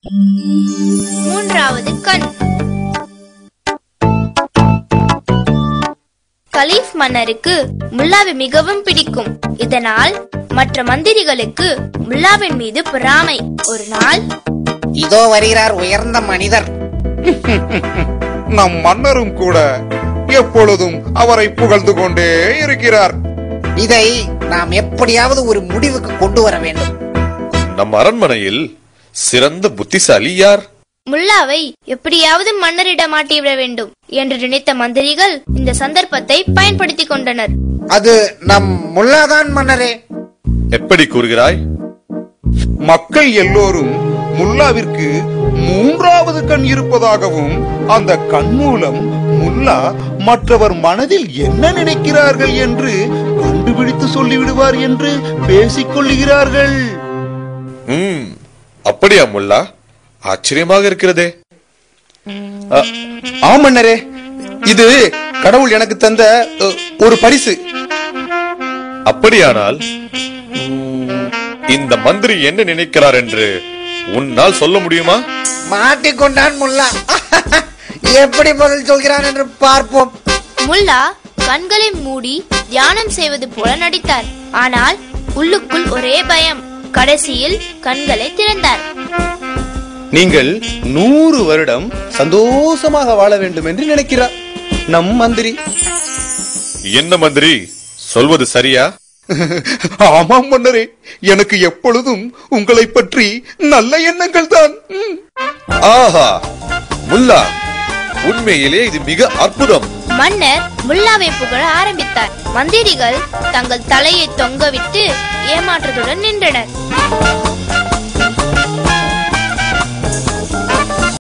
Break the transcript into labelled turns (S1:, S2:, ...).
S1: மூன்றாவது கண். கலீஃப் மன்னருக்கு முல்லாவை மிகவும் பிடிக்கும். இதனால் மற்ற மந்திரிகளுக்கு முல்லாவின் மீது பொறாமை. ஒரு நாள்,
S2: இதோ வருகிறார் உயர்ந்த மனிதர்.
S3: நம் மன்னரும் கூட எப்பொழுதும் அவரை புகழ்ந்து கொண்டே இருக்கிறார்.
S2: இதை நாம் எப்படியாவது ஒரு முடிவுக்கு கொண்டு வர வேண்டும்.
S4: நம் அரண்மனையில் சிறந்த புத்திசாலி யார்?
S1: முல்லாவை எப்படியாவது மன்னரிடம் மாட்டிவிட வேண்டும் என்று நினைத்த மந்திரிகள் இந்த சந்தர்ப்பத்தை பயன்படுத்திக் கொண்டனர்.
S2: அது நம் முல்லாதான் மன்னரே.
S4: எப்படி கூறுகிறாய்?
S3: மக்கள் எல்லோரும் முல்லாவிற்கு மூன்றாவது கண் இருப்பதாகவும் அந்த கண் மூலம் முல்லா மற்றவர் மனதில் என்ன நினைக்கிறார்கள் என்று கண்டுபிடித்து சொல்லிவிடுவார் என்று பேசிக் கொள்ளுகிறார்கள்.
S4: அப்படியா முல்லா? ஆச்சரியமாக இருக்கிறதே.
S5: ஆமன்னரே, இது கடவுள் எனக்கு தந்த ஒரு பரிசு.
S4: அப்படியானால் இந்த மந்திரி என்ன நினைக்கிறார் என்று உன்னால் சொல்ல முடியுமா?
S2: மாட்டிக்கொண்டான் முல்லா. எப்படி பதில் சொல்கிறான் என்று பார்ப்போம்.
S1: முல்லா கண்களை மூடி தியானம் செய்வது போல நடித்தார். ஆனால் உள்ளுக்குள் ஒரே பயம். கடைசியில் கண்களை திறந்தார்.
S5: நீங்கள் 100 வருடம் சந்தோஷமாக வாழ வேண்டும் என்று நினைக்கிறார் நம் மந்திரி.
S4: என்ன மந்திரி, சொல்வது சரியா?
S3: ஆமாம் மன்னரே, எனக்கு எப்பொழுதும் உங்களை பற்றி நல்ல எண்ணங்கள் தான்.
S4: ஆஹா, முல்லா, உண்மையிலே இது மிக அற்புதம்.
S1: மன்னர் முல்லாவை புகழ ஆரம்பித்தார். மந்திரிகள் தங்கள் தலையை தொங்கவிட்டு ஏமாற்றத்துடன் நின்றனர்.